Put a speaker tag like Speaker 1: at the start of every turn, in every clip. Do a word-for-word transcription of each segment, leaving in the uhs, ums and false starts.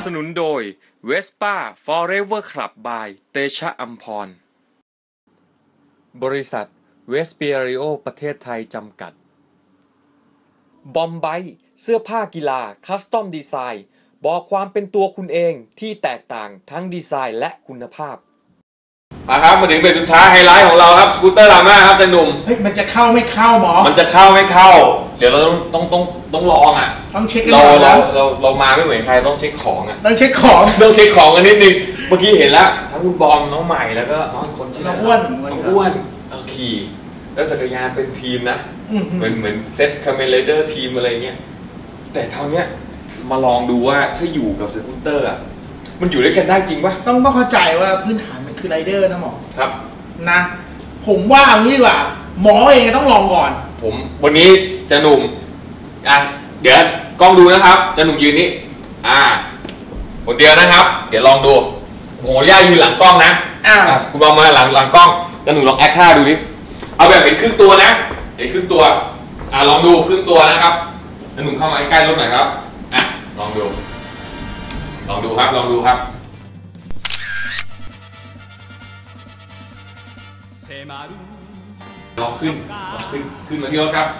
Speaker 1: สนุนโดย Vespa Forever Club by เตชะอัมพรบริษัทเวสเปียริโอประเทศไทยจำกัดบอมไบเสื้อผ้ากีฬาคัสตอมดีไซน์บอกความเป็นตัวคุณเองที่แตกต่างทั้งดีไซน์และคุณภาพมาครับมาถึงเป็นสุดท้ายไฮไลท์ของเราครับสกูตเตอร์ลาม่าครับจันหนุ่ม
Speaker 2: เฮ้ยมันจะเข้าไม่เข้าหมอ
Speaker 1: มันจะเข้าไม่เข้าเดี๋ยวเราต้องต้องต้องต้องลองอ่ะ
Speaker 2: ต้องเช็คกัน
Speaker 1: เรา
Speaker 2: เรา
Speaker 1: เราเรามาไม่เหมือนใครต้องเช็คของอ่ะ
Speaker 2: ต้องเช็คของ
Speaker 1: ต้องเช็คของกันนิดนึงเมื่อกี้เห็นแล้วทั้งคุณบอมน้องใหม่แล้วก็น้องคนชื่อน้อง
Speaker 2: อ้วน
Speaker 1: น้องอ้วนเอาขี่แล้วจักรยานเป็นทีมนะเหมือนเหมือนเซ็ตคาเมเลเดอร์ทีมอะไรเงี้ยแต่เท่านี้มาลองดูว่าถ้าอยู่กับสกูตเตอร์อ่ะมันอยู่ด้วยกันได้จริงปะ
Speaker 2: ต้องต้องเข้าใจว่าพื้นฐานมันคือไรเดอร์นะหมอ
Speaker 1: ครับ
Speaker 2: นะผมว่าเอางี้ดีกว่าหมอเองต้องลองก่อน
Speaker 1: ผมวันนี้จะหนุ่มอ่ะเดี๋ยวกล้องดูนะครับจะหนุ่มยืนนี้อ่าคนเดียวนะครับเดี๋ยวลองดูผมขออนุญาตยืนหลังกล้องนะอ่าคุณบอมมาหลังหลังกล้องจะหนุ่มลองแอคท่าดูดิเอาแบบเห็นครึ่งตัวนะเห็นครึ่งตัวอ่าลองดูครึ่งตัวนะครับจะหนุ่มเข้ามาใกล้รถหน่อยครับอ่ะลองดูลองดูครับลองดูครับเราขึ้นเราขึ้นขึ้นมาที่รถครับ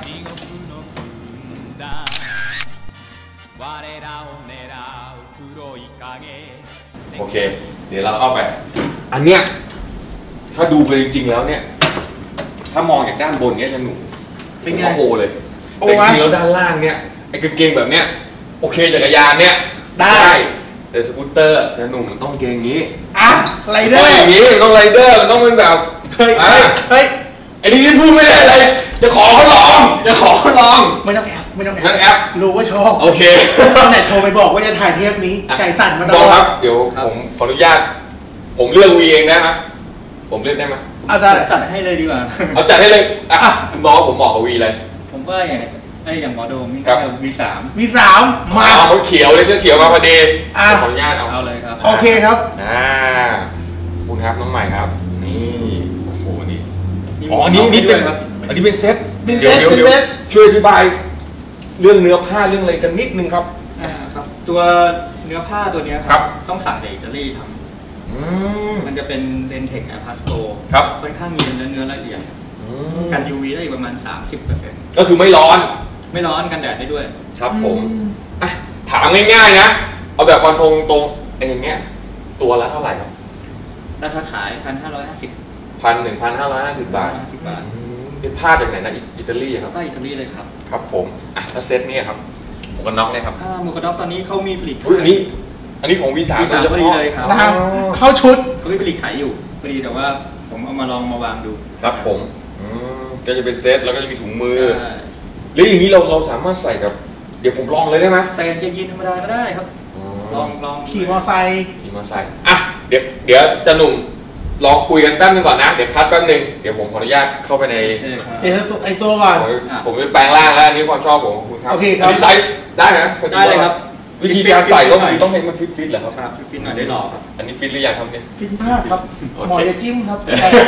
Speaker 1: โอเคเดี๋ยวเราเข้าไปอันเนี้ยถ้าดูไปจริงๆแล้วเนี่ยถ้ามองจากด้านบนเนี้ยจะหนุ่ม
Speaker 2: เป็นไง
Speaker 1: โอ้เลยแต่จริงๆแล้วด้านล่างเนี่ยไอ้กางเกงแบบเนี้ยโอเคจักรยานเนี่ยได้แต่สกูตเตอร์จะหนุ่มมันต้องเกงงี้
Speaker 2: อ่ะไรเดอร์
Speaker 1: อย่างนี้ต้องไรเดอร์มันต้องเป็นแบบ
Speaker 2: เฮ้ยเฮ้ย
Speaker 1: ไอ้นี่พูดไม่ได้เลยจะขอเขาลองจะขอเขาลอง
Speaker 2: ไม่ต้องแอบไม่ต้องแ
Speaker 1: อบแอป
Speaker 2: รู้ว่าชอบ
Speaker 1: โอเค
Speaker 2: ไหนโทรไปบอกว่าจะถ่ายเทปนี้ใจสั่นมาตล
Speaker 1: อดครับเดี๋ยวผมขออนุญาตผมเลือกวีเองได้ไหมผมเลือกได้ไหม
Speaker 3: เอาจัดให้เลยดีกว่า
Speaker 1: เอาจัดให้เลยอ่ะคุณบอกว่าผมเหมาะกับวีเลย
Speaker 3: ผมว่าอย่างไอ้อย่างหมอโดมนี่ก็วีสาม
Speaker 2: วีสาม
Speaker 1: มาเขาเขียวเลยเสื้อเขียวมาพอดีขออนุญาตเอา
Speaker 3: เอาเลยครับ
Speaker 2: โอเคครับ
Speaker 1: อ่าคุณครับน้องใหม่ครับนี่โอ้โหนี่อ๋ออันนี้นี่เป็นอันนี้เป็นเซตเดี๋ยวเดี๋ยวเดี๋ยวช่วยอธิบายเรื่องเนื้อผ้าเรื่องอะไรกันนิดนึงครับ
Speaker 3: อ่าครับตัวเนื้อผ้าตัวนี้ครับต้องสั่งจากอิตาลีทำมันจะเป็นเลนเทคแอร์พาสโต
Speaker 1: ครับ
Speaker 3: ค่อนข้างมีเนื้อเนื้อละเอียดกัน ยู วี ได้อีกประมาณ สามสิบเปอร์เซ็นต์
Speaker 1: ก็คือไม่ร้อน
Speaker 3: ไม่ร้อนกันแดดได้ด้วย
Speaker 1: ครับผมอ่ะถามง่ายๆนะเอาแบบฟันธงตรงไอ้อย่างเงี้ยตัวละเท่าไหร่ครับ
Speaker 3: ราคาขายพันห้าร้อยห้าสิบ
Speaker 1: พันหนึ่งพันห้าร้อยห้าสิบบาท
Speaker 3: สิบบาท
Speaker 1: เป็นผ้าจากไหนนะอิตาลีครับ
Speaker 3: ผ้าอิตาลีเลยครับ
Speaker 1: ครับผมอ่ะแล้วเซตนี้ครับหมวกกันน็อกเนี่ยครับ
Speaker 3: หมวกกันน็อกตอนนี้เขามีผลิต
Speaker 1: อันนี้อันนี้ของ วี สาม
Speaker 3: โดยเฉพาะเลยครับ
Speaker 2: เข้าชุด
Speaker 3: เขามีผลิตขายอยู่พอดีแต่ว่าผมเอามาลองมาวางดู
Speaker 1: ครับผมก็จะเป็นเซตแล้วก็จะมีถุงมือหรืออย่างนี้เราเราสามารถใส่กับเดี๋ยวผมลองเลยได้ไหม
Speaker 3: ใส่กางเกงยีนธรรมดาก็ได้ครับลองลอง
Speaker 2: ขี่มอไซค์
Speaker 1: ขี่มอไซค์อ่ะเดี๋ยวเดี๋ยวจะหนุ่มลองคุยกันแป๊บนึงก่อนนะเดี๋ยวคัดแป๊บนึงเดี๋ยวผมขออนุญาตเข้าไปใน
Speaker 2: เดี๋ยวไอตัวก่อน
Speaker 1: ผมจะแปลงร่างแล้วอันนี้ความชอบของคุณครับ
Speaker 2: โอเคครับ
Speaker 1: ดีไซน์ได้นะ
Speaker 3: ได้เลยครับ
Speaker 1: วิธีการใส่ก็คือต้องให้มันฟิตฟิตเหรอครับ
Speaker 3: ฟิตฟิตหน่อยได้หรอครับ
Speaker 1: อันนี้ฟิตหรือยังครับเนี่ย
Speaker 2: ฟิตมากครับหมอจะจิ้มครับ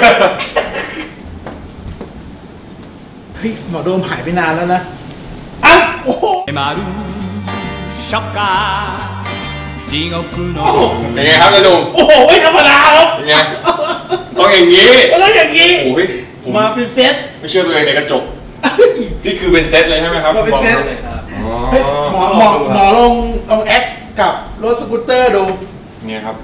Speaker 2: เฮ้ยหมอโดมหายไปนานแล้วนะอ้าวโอ้โห
Speaker 1: เป็นไงครับจะดู
Speaker 2: โอ้โหไม่ธรรมดาครับ
Speaker 1: เป็นไงต้องอย่างนี้
Speaker 2: ต้องอย่างนี้
Speaker 1: โอ้ย
Speaker 2: มาเป็นเซต
Speaker 1: ไม่เชื่อตัวเองในกระจกนี่คือเป็นเซตเลยใช่ไหมครับ
Speaker 2: มาเป็นเซตเลยครับหมอหมอหมอลงลองแอคกับรถสกูตเตอร์ดู
Speaker 1: เนี่ยครับ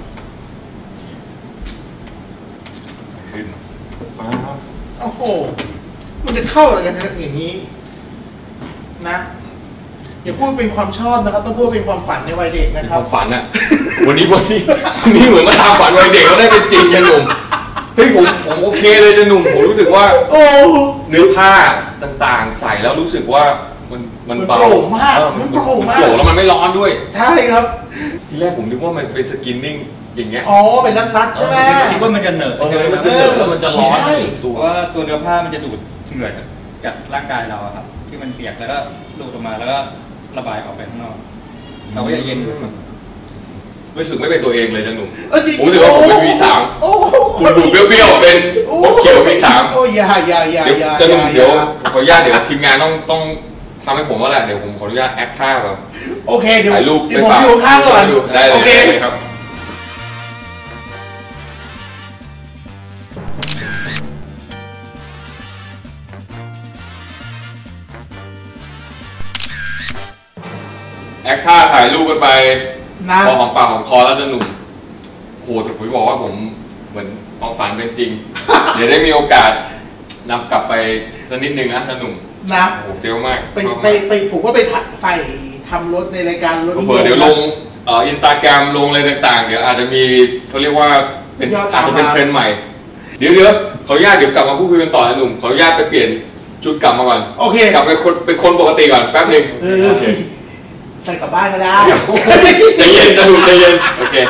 Speaker 1: ขึ้น
Speaker 2: โอ้โหมันจะเข้าอะไรกันอย่างนี้นะอย่าพูดเป็นความชอบนะครับต้องพูดเป็นความฝันในวัยเด็กนะครับ
Speaker 1: ความฝันอะวันนี้วันนี้วันนี้เหมือนมาตามฝันวัยเด็กเราได้เป็นจริงนะหนุ่มเฮ้ยผมผมโอเคเลยจะหนุ่มผมรู้สึกว่า
Speaker 2: โอ้
Speaker 1: เนื้อผ้าต่างๆใส่แล้วรู้สึกว่ามันมันเบา
Speaker 2: มากมันโปร่งมาก
Speaker 1: โปร่งแล้วมันไม่ร้อนด้วย
Speaker 2: ใช่ครับ
Speaker 1: ทีแรกผมนึกว่ามันเป็นสกินนิ่งอย่างเงี้ย
Speaker 2: อ๋อเป็นนัดๆใช่ไหม
Speaker 3: คิดว่ามันจะเหนอะ
Speaker 1: มันจะเหนอะแล้วมันจะร้อน
Speaker 3: ตัวว่าตัวเนื้อผ้ามันจะดูดเหงื่อจากร่างกายเราครับที่มันเปียกแล้วก็ดูดออกมาแล้วก็ระบายออกไปข้างนอกเราก็จะเย็นรู้สึก
Speaker 1: รู้สึกไม่เป็นตัวเองเลยจังหนุ่มผมรู้สึกว่าผมเป็น วี สาม คุณดูเบี้ยวๆเป็นผมเขียว วี สาม
Speaker 2: โอ้ยอย่าอย่าอย่า
Speaker 1: จังหนุ่มเดี๋ยวขออนุญาตเดี๋ยวทีมงานต้องต้องทำให้ผมว่าแหละเดี๋ยวผมขออนุญาตแอคท่าแบบ
Speaker 2: โอเคเดี๋ยว
Speaker 1: ถ่ายรูป
Speaker 2: เดี๋ยวผมอยู่ข้างก่อน
Speaker 1: ได้เลย
Speaker 2: โอเค
Speaker 1: ครับ แอคท่าถ่ายรูปกันไป
Speaker 2: นะ
Speaker 1: พอหอมปากหอมคอแล้วจะหนุ่มโหแต่ผมบอกว่าผมเหมือนความฝันเป็นจริง เดี๋ยวได้มีโอกาสนำกลับไปสักนิดนึงนะจะหนุ่ม
Speaker 2: นะ
Speaker 1: โอ้โหเฟี้ยวมาก
Speaker 2: ไปไปไปผมก็ไปใส่ทำรถในรายการรถ
Speaker 1: เผื่อเดี๋ยวลงเอ่ออินสตาแกรมลงอะไรต่างๆ เดี๋ยวอาจจะมีเขาเรียกว่าเป็นอาจจะเป็นเทรนด์ใหม่ เดี๋ยวเดี๋ยวขออนุญาตเดี๋ยวกลับมาพูดคุยกันต่อนะหนุ่มขออนุญาตไปเปลี่ยนชุดกลับมาก่อน
Speaker 2: โอเค
Speaker 1: กลับไปคนเป็นคนปกติก่อนแป๊บนึง
Speaker 2: เออ
Speaker 1: โอเค
Speaker 2: ใส่กลับบ้านก็ได้
Speaker 1: ใจเย็นจะดูใจเย็นโอเค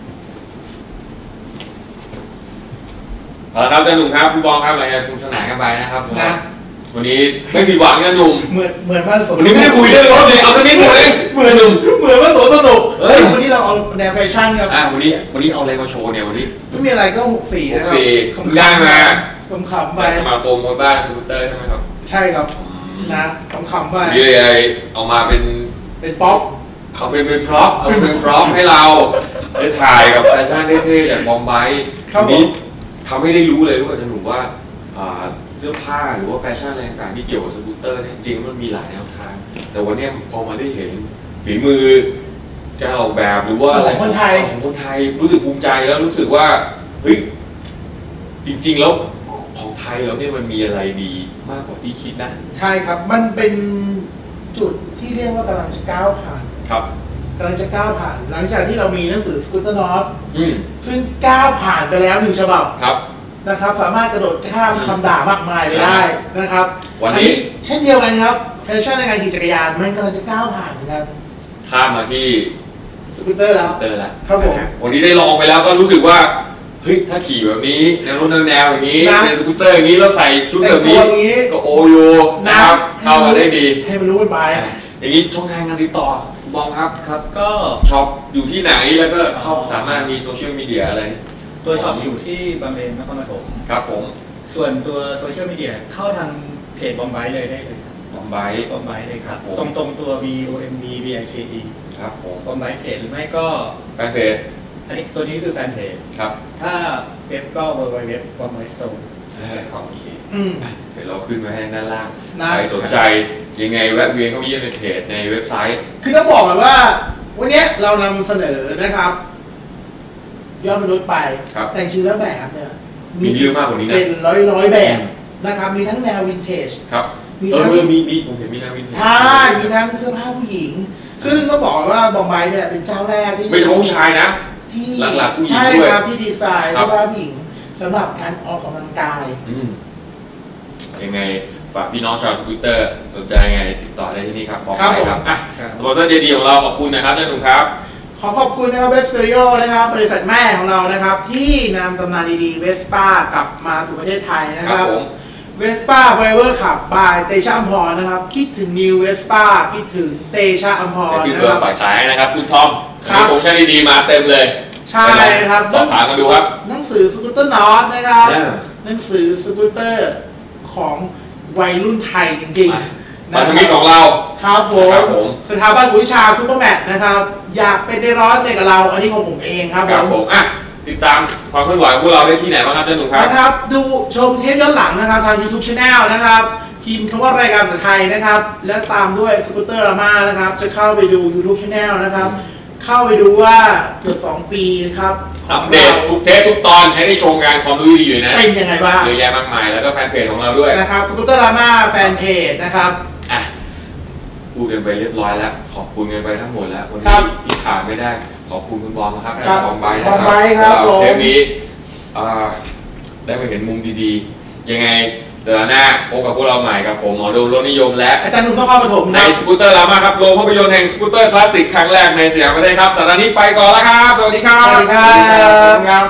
Speaker 1: เอาละครับอาจารย์หนุ่มครับพี่บองครับรายการสนุกสนานกันไปนะครับ
Speaker 2: นะ
Speaker 1: วันนี้ไม่ผิดหวังนะหนุ่ม
Speaker 2: เหมือนเหมือนว่าส
Speaker 1: วันนี้ไม่ได้คุยเรื่องรถเลยเอาแค่นี้หมดเอง
Speaker 2: เหมือน
Speaker 1: หนุ่ม
Speaker 2: เหมือนว่าสวนสนุก
Speaker 1: เอ้ย
Speaker 2: วันนี้เราเอาแนวแฟชั่นครับ
Speaker 1: อ่ะวันนี้วันนี้เอาอะไรมาโชว์เนี่ยวันนี้
Speaker 2: ไม่มีอะไรก็หกสี่นะครั
Speaker 1: หกสี่
Speaker 2: ขำๆ
Speaker 1: ได้มา
Speaker 2: ขำๆไป
Speaker 1: จากสมาคมมวยบ้านสกูตเตอร์ใช่ไหมครับ
Speaker 2: ใช่ครับนะขำๆไป
Speaker 1: มีอะไรเอามาเป็น
Speaker 2: เป็นป๊อป
Speaker 1: เขาเป็นเป็นพร็อพเอาเป็นพร็อพให้เราได้ถ่ายกับแฟชั่นเท่ๆอย่างบอมไบค์
Speaker 2: ครับ
Speaker 1: วันนี้ทำให้ได้รู้เลยว่าจะหนุ่มว่าอ่าเสื้อผ้าหรือว่าแฟชั่นอะไรต่างๆที่เกี่ยวกับสกูตเตอร์เนี่ยจริงๆมันมีหลายแนวทาง แต่วันนี้พอมาได้เห็นฝีมือการออกแบบหรือว่าอะไร
Speaker 2: ของคนไทย
Speaker 1: ของคนไทยรู้สึกภูมิใจแล้วรู้สึกว่าเฮ้ยจริงๆแล้วของไทยเราเนี่ยมันมีอะไรดีมากกว่าที่คิดนะ
Speaker 2: ใช่ครับ มันเป็นจุดที่เรียกว่ากำลังจะก้าวผ่าน
Speaker 1: ครับ
Speaker 2: กำลังจะก้าวผ่าน หลังจากที่เรามีหนังสือสกูตเตอร์นอต
Speaker 1: อืม
Speaker 2: ซึ่งก้าวผ่านไปแล้วหนึ่งฉบับ
Speaker 1: ครับ
Speaker 2: นะครับ สามารถกระโดดข้ามคำด่ามากมายไปได้นะครับ
Speaker 1: วันนี้
Speaker 2: อัเช่นเดียวกันครับแฟชั่นในการขี่จักรยานมันกำลังจะก้าวผ่านนะครับ
Speaker 1: ข้ามมาที่
Speaker 2: สกูตเตอร์แล้ว
Speaker 1: เตอร์แล้ว
Speaker 2: ครับผม
Speaker 1: นะฮะวันนี้ได้ลองไปแล้วก็รู้สึกว่าเฮ้ยถ้าขี่แบบนี้แนวรถแนวอย่างนี้
Speaker 2: นะ
Speaker 1: ในสกูตเตอร์อย่างนี้แล้วใส่ชุดแบบนี้
Speaker 2: แต่งตัวอย่างนี้
Speaker 1: ก็โอโยนะครับเข้ามาได้ดี
Speaker 2: ให้มันรู้กันไป
Speaker 1: อย่างนี้ช่องทางการติดต่อคุณบองครับ
Speaker 3: ครับก็
Speaker 1: ช็อปอยู่ที่ไหนแล้วก็เข้าสามารถมีโซเชียลมีเดียอะไร
Speaker 3: ตัวช็อปอยู่ที่บางเลนนครปฐม
Speaker 1: ครับผม
Speaker 3: ส่วนตัวโซเชียลมีเดียเข้าทางเพจบอมไบเลยได้เลยครับ
Speaker 1: บอมไบค์
Speaker 3: บอมไบเลยครับ
Speaker 1: ครับผม
Speaker 3: ตรงตรงๆตัว B O M B B I K E
Speaker 1: ครับผม
Speaker 3: บอมไบเพจหรือไม่ก็
Speaker 1: แฟนเพจ
Speaker 3: อันนี้ตัวนี้คือแฟนเพจ
Speaker 1: ครับ
Speaker 3: ถ้าเว็บก็ w w w b o m b i store
Speaker 1: เออโอเค
Speaker 2: อืม
Speaker 1: เดี๋ยวเราขึ้นไว้ให้ด้านล่าง
Speaker 2: นะ
Speaker 1: ใครสนใจยังไงแวะเวียนเข้ามาเยี่ยมในเพจในเว็บไซต์
Speaker 2: คือต้องบอกก่อนว่า วันนี้เรานำเสนอนะครับยอดมนุษย์ไป
Speaker 1: ครับ
Speaker 2: แต่จริงๆแล้วแบบเนี่ย
Speaker 1: มีเยอะมากกว่านี้นะ
Speaker 2: เป็นร้อยร้อยๆแบบนะครับ มีทั้งแนววินเทจ
Speaker 1: ครับ
Speaker 2: มี
Speaker 1: เอ
Speaker 2: ทั้ง
Speaker 1: อมีมีผมเห็นมีนาวินเทจ
Speaker 2: ใช่มีทั้งเสื้อผ้าผู้หญิง ซึ่งต้องบอกว่าบอมไบเนี่ยเป็นเจ้าแรกที่
Speaker 1: ไม่ใช่ผู้ชายนะ
Speaker 2: ที่
Speaker 1: หลักๆผู้หญิง
Speaker 2: ใช่
Speaker 1: ด้วย
Speaker 2: ครับที่ดีไซน์
Speaker 1: ครั
Speaker 2: เสื้
Speaker 1: บ
Speaker 2: อผ้าผู้หญิงสำหรับการออกกำลังกาย
Speaker 1: อืมยังไงฝากพี่น้องชาวสกูตเตอร์สนใจยังไงติดต่อได้ที่นี่ครับบอก
Speaker 2: ครับ
Speaker 1: ได้
Speaker 2: ผม
Speaker 1: ครับอ่ะ
Speaker 3: ครับ
Speaker 1: สปอนเซอร์ดีๆของเราขอบคุณนะครับท่านหนุ่มครับ
Speaker 2: ขอขอบคุณนะครับเวสเปริโอนะครับ บริษัทแม่ของเรานะครับ ที่นำตำนานดีๆเวสป้ากลับมาสู่ประเทศไทยนะค
Speaker 1: ครั
Speaker 2: รั
Speaker 1: บบ ผม
Speaker 2: เวสป้าไฟเวอร์ขับบายเตชะอัมพรนะครับ คิดถึงนิวเวสป้าคิดถึงเตชะอัมพร
Speaker 1: ให้พี่
Speaker 2: นะ
Speaker 1: เบิ
Speaker 2: ค
Speaker 1: ร์
Speaker 2: รับ
Speaker 1: ดฝ่ายขายนะครับคุณทอม
Speaker 2: ครับ
Speaker 1: มีโปรโมชั่นดีๆมาเต็มเลย
Speaker 2: ใช่ครับ
Speaker 1: สอบถามกันดูครับ
Speaker 2: หนังสือสกูตเตอร์นอตนะครับ
Speaker 1: อ่า
Speaker 2: หนังสือสกูตเตอร์ของวัยรุ่นไทยจริง
Speaker 1: อ่ะ
Speaker 2: ๆ
Speaker 1: มา
Speaker 2: นะ
Speaker 1: ทาง
Speaker 2: ค
Speaker 1: นี้ข
Speaker 2: รั
Speaker 1: อบ งเรา
Speaker 2: ครับผม
Speaker 1: ครับผม
Speaker 2: สถาบันวิชาซูเปอร์แมทนะครับ อยากเป็นในร้อนในกับเรา อันนี้ของผมเองครับ
Speaker 1: ครับ
Speaker 2: ผ
Speaker 1: ผม มอ่ะติดตามความเคลื่อนไหวของพวกเราได้ที่ไหนบ้างครับท่านหนุ่มครับ
Speaker 2: นะครับ ดูชมเทปย้อนหลังนะครับ ทาง YouTube Channel นะครับ พิมพ์คำว่ารายการภาษาไทยนะครับ แล้วตามด้วยสกูตเตอร์รามานะครับ จะเข้าไปดู YouTube Channel นะครับ เข้าไปดูว่าเกือบสองปีนะครับข
Speaker 1: อั
Speaker 2: อง
Speaker 1: ปเดต
Speaker 2: เรา
Speaker 1: ทุกเทปทุกตอนให้ได้ชมกันความรู้ดีๆอยู่นะ
Speaker 2: เป็นยังไงบ้าง
Speaker 1: เยอะแยะมากมายแล้วก็แฟนเพจของเราด้วย
Speaker 2: นะครับสกูตเตอร์รามาแฟนเพจนะครับ
Speaker 1: อ่ะพูดกันไปเรียบร้อยแล้ว ขอบคุณกันไปทั้งหมดแล้ววัน
Speaker 2: ครั
Speaker 1: นี้
Speaker 2: บ
Speaker 1: ที่ขาดไม่ได้ ขอบคุณคุณบอมนะครับ
Speaker 2: ครับ
Speaker 1: บอมไบค์นะ
Speaker 2: บอมไบค์ครับ
Speaker 1: สำห
Speaker 2: ผม
Speaker 1: เทปนี้อ่าได้มาเห็นมุมดีๆ ยังไงสัปดาห์หน้าพบกับพวกเราใหม่กับผมหมอดูรถนิยมและ
Speaker 2: อาจารย์หนุ่มนครปฐม
Speaker 1: ใน
Speaker 2: ครับ
Speaker 1: สกูตเตอร์ลามาครับโรงภาพยนตร์แห่งสกูตเตอร์คลาสสิกครั้งแรกในสยามประเทศครับสัปดาห์นี้ไปก่อนแล้วครับ สวัสดีครับ
Speaker 2: สวัสดีครับ
Speaker 1: สวัสดีครับ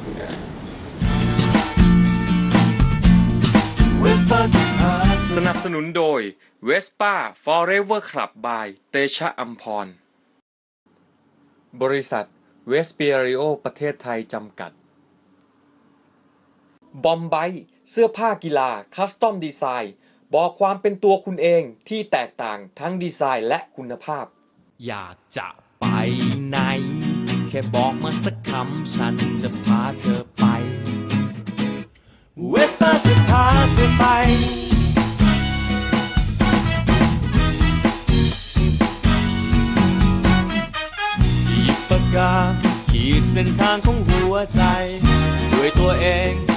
Speaker 4: สนับสนุนโดย Vespa Forever Club by เตชะอัมพร บริษัทเวสเปียริโอประเทศไทยจำกัด บอมไบเสื้อผ้ากีฬาคัสตอมดีไซน์บอกความเป็นตัวคุณเองที่แตกต่างทั้งดีไซน์และคุณภาพอยากจะไปไหนแค่บอกมาสักคำฉันจะพาเธอไปเวสป้าจะพาเธอไปหยิบปากกาขีดเส้นทางของหัวใจด้วยตัวเอง